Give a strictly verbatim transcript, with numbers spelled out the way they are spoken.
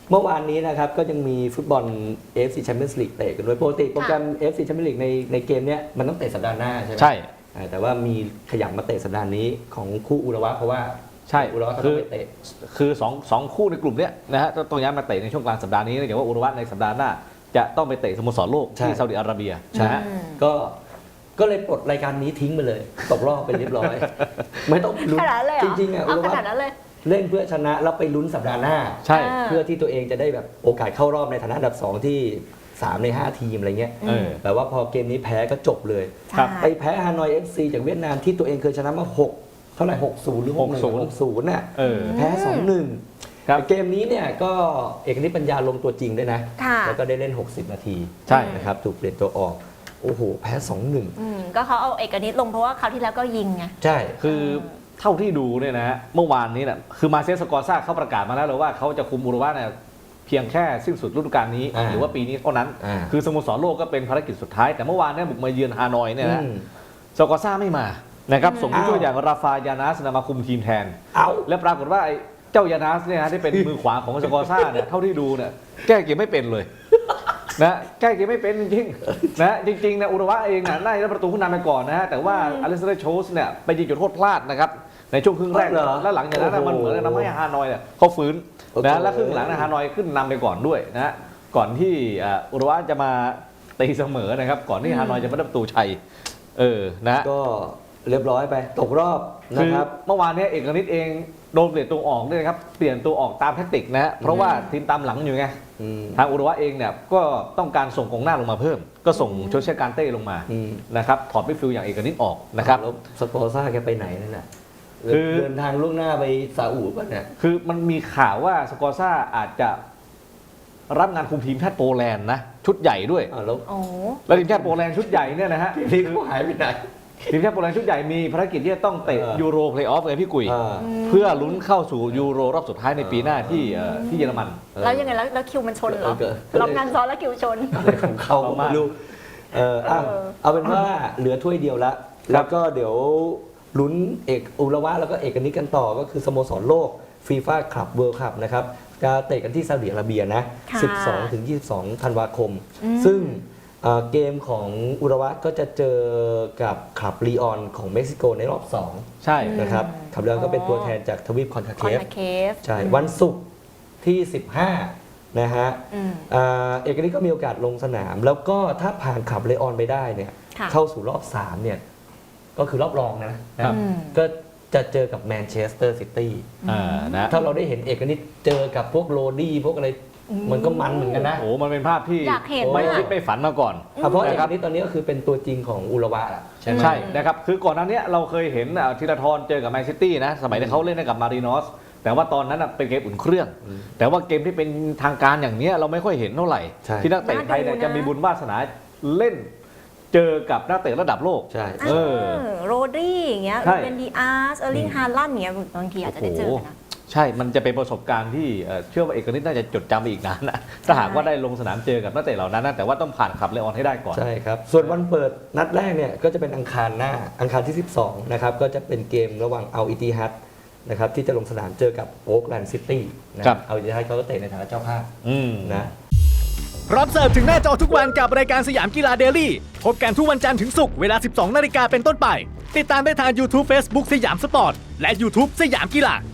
เมื่อวานนี้นะครับก็ยังมีฟุตบอล เอ เอฟ ซี Champions League เตะกันด้วยปกติโปรแกรม เอ เอฟ ซี Champions League ในในเกมเนี้ยมันต้องเตะสัปดาห์หน้าใช่ไหมใช่แต่ว่ามีขยับมาเตะสัปดาห์นี้ของคู่อุระวะเพราะว่าใช่อุระวะเขาคืต้อองไปเตะคือสองสองคู่ในกลุ่มเนี้ยนะฮะต้องย้ายมาเตะในช่วงกลางสัปดาห์นี้เนื่องจากว่าอุระวะในสัปดาห์หน้าจะต้องไปเตะสโมสรโลกที่ซาอุดิอาระเบียนะฮะก็ก็เลยปลดรายการนี้ทิ้งไปเลยตกรอบไปเรียบร้อย ไม่ต้องลุ้นขนาดนั้นเลยเหรอจริงๆอ่ะอุเอาระขวะนาดนั้นเลยเล่นเพื่อชนะแล้วไปลุ้นสัปดาห์หน้าใช่เพื่อที่ตัวเองจะได้แบบโอกาสเข้ารอบในฐานะอันดับสองที่สามในห้าทีมอะไรเงี้ยเออแต่ว่าพอเกมนี้แพ้ก็จบเลยครับไปแพ้ฮานอย เอฟ ซี จากเวียดนามที่ตัวเองเคยชนะมาหกเท่าไหร่หกศูนย์หรือหกศูนย์หกศูนย์น่ะเออแพ้สองหนึ่งครับเกมนี้เนี่ยก็เอกนิตปัญญาลงตัวจริงด้วยนะค่ะแล้วก็ได้เล่นหกสิบนาทีใช่นะครับถูกเปลี่ยนตัวออกโอ้โหแพ้สองหนึ่งอืมก็เขาเอาเอกนิตลงเพราะว่าคราวที่แล้วก็ยิงไงใช่คือเท่าที่ดูเนี่ยนะฮะเมื่อวานนี้เนี่ยคือมาเซสกอร์ซ่าเขาประกาศมาแล้วเลยว่าเขาจะคุมอุรุกวัยเนี่ยเพียงแค่สิ้นสุดฤดูกาลนี้อ่าหรือว่าปีนี้เท่านั้นอ่าคือสโมสรโลกก็เป็นภารกิจสุดท้าย แต่เมื่อวานเนี่ยบุกมาเยือนฮานอยเนี่ยนะอืมสกอร์ซ่าไม่มานะครับส่งผู้ช่วยอ้าวอย่างราฟายานาสมาคุมทีมแทนเอาและปรากฏว่าไอ้เจ้ายานาสเนี่ยนะที่เป็น มือขวาของสกอร์ซ่าเนี่ยเท่าที่ดูเนี่ยแก้เกมไม่เป็นเลยนะแก้เกมไม่เป็นจริงๆนะจริงๆเนี่ยอุรุกวัยเองน่ะได้ประตูขึ้นนำไปก่อนนะฮะแต่ว่าอเลสเตอร์โชสเนี่ยไปยิงจุดโทษพลาดนะครับในช่วงครึ่งแรกเหรอแล้วหลังจากนั้นน่ะมันเหมือนกับทำให้ฮานอยเนี่ยเขาฟื้นโอ้โหนะแล้วครึ่งหลังนะฮานอยขึ้นนำไปก่อนด้วยนะฮะก่อนที่อ่าอุรุกวัยจะมาตีเสมอนะครับก่อนที่ฮานอยจะมาได้ประตูชัยเออนะก็เรียบร้อยไปตกรอบนะคือครับเมื่อวานเนี้เอกนิตเองโดนเปลี่ยนตัวออกด้วยนะครับเปลี่ยนตัวออกตามแทคติกนะฮะเพราะว่าทีมตามหลังอยู่ไงอืมทางอุรุกวัยเองเนี่ยก็ต้องการส่งกองหน้าลงมาเพิ่ม ก็ส่งโชเชการเต้ลงมาอืมนะครับถอดมิดฟิลด์อย่างเอกนิตออกนะครับแล้วสปอร์ซ่าแกไปไหนนั่นน่ะคือเดินทางล่วงหน้าไปซาอุป่ะเนี่ยคือมันมีข่าวว่าสกอร์ซ่าอาจจะรับงานคุมทีมชาติโปแลนด์นะชุดใหญ่ด้วยอ้าวแล้วโอ้แล้วทีมชาติโปแลนด์ชุดใหญ่เนี่ยนะฮะนี่เขาหายไปไหนทีมชาติโปแลนด์ชุดใหญ่มีภารกิจที่จะต้องเตะเออยูโรเพลย์ออฟไงพี่กุยอ่าเพื่อลุ้นเข้าสู่ยูโรรอบสุดท้ายในปีหน้าที่เอ่อที่เยอรมันแล้วยังไงแล้วแล้วคิวมันชนเหรอเออรับงานซ้อนแล้วคิวชนอะไรของเขาเอามาไม่รู้เอออ่ะเออเอาเป็นว่าเหลือถ้วยเดียวละแล้วก็เดี๋ยวลุ้นเอกอุระวะแล้วก็เอกนิตกันต่อก็คือสโมสรโลกฟีฟ่าคลับเวิลด์คัพนะครับจะเตะกันที่ซาอุดิอาระเบียนะค่ะสิบสองถึงยี่สิบสองธันวาคมอืมซึ่งเอ่อเกมของอุระวะก็จะเจอกับคลับลีออนของเม็กซิโกในรอบสองใช่นะครับคลับลีออนก็เป็นตัวแทนจากทวีปคอนคาคเคอนฟนาเคฟใช่วันศุกร์ที่สิบห้านะฮะอืมอ่าเอกนิตก็มีโอกาสลงสนาม แล้วก็ถ้าผ่านขับเลออนไปได้เนี่ยค่ะเข้าสู่รอบสามเนี่ยก็คือรอบรองนะนะครับอืมก็จะเจอกับแมนเชสเตอร์ซิตี้อ่านะถ้าเราได้เห็นเอกนิตเจอกับพวกโรดี้พวกอะไรอืมมันก็มันเหมือนกันนะโอ้โหมันเป็นภาพที่อยากเห็นไม่มากคิดไม่ฝันมาก่อนอ่ะเพราะเอกนะครับนิตตอนนี้ก็คือเป็นตัวจริงของอุระวะอะใช่ไหมใช่นะครับคือก่อนหน้านี้เราเคยเห็นอ่ะธีรทรเจอกับแมนซิตี้นะสมัยที่เขาเล่นให้กับมารินอสแต่ว่าตอนนั้นอ่ะเป็นเกมอุ่นเครื่องอืมแต่ว่าเกมที่เป็นทางการอย่างเนี้ยเราไม่ค่อยเห็นเท่าไหร่ใช่ที่นักเตะไทยเนี่ยน่าดูนะจะมีบุญวาสนาเล่นเจอกับนักเตะระดับโลกใช่เออโรดี้อย่างเงี้ยใช่เป็นดีอาร์สเออร์ลิงฮาลันด์อย่างเงี้ยบางทีอาจจะได้เจอกันนะใช่ มันจะเป็นประสบการณ์ที่เอ่อเชื่อว่าเอกนิตน่าจะจดจำไปอีกนานนะถ้าหากว่าได้ลงสนามเจอกับนักเตะเหล่านั้นนะแต่ว่าต้องผ่านขับเลออนให้ได้ก่อนใช่ครับ ส่วนวันเปิดนัดแรกเนี่ยก็จะเป็นอังคารหน้าอังคารที่สิบสองนะครับก็จะเป็นเกมระหว่างเอาอิติฮัดนะครับที่จะลงสนามเจอกับโอ๊กแลนด์ซิตี้นะครับ เอาอิติฮัดเขาก็เตะในฐานะเจ้าภาพอืมนะพร้อมเสิร์ฟถึงหน้าจอทุกวันกับรายการสยามกีฬาเดลี่พบกันทุกวันจันทร์ถึงศุกร์เวลา สิบสองนาฬิกาเป็นต้นไป ติดตามได้ทาง YouTube Facebook สยามสปอร์ต และ YouTube สยามกีฬา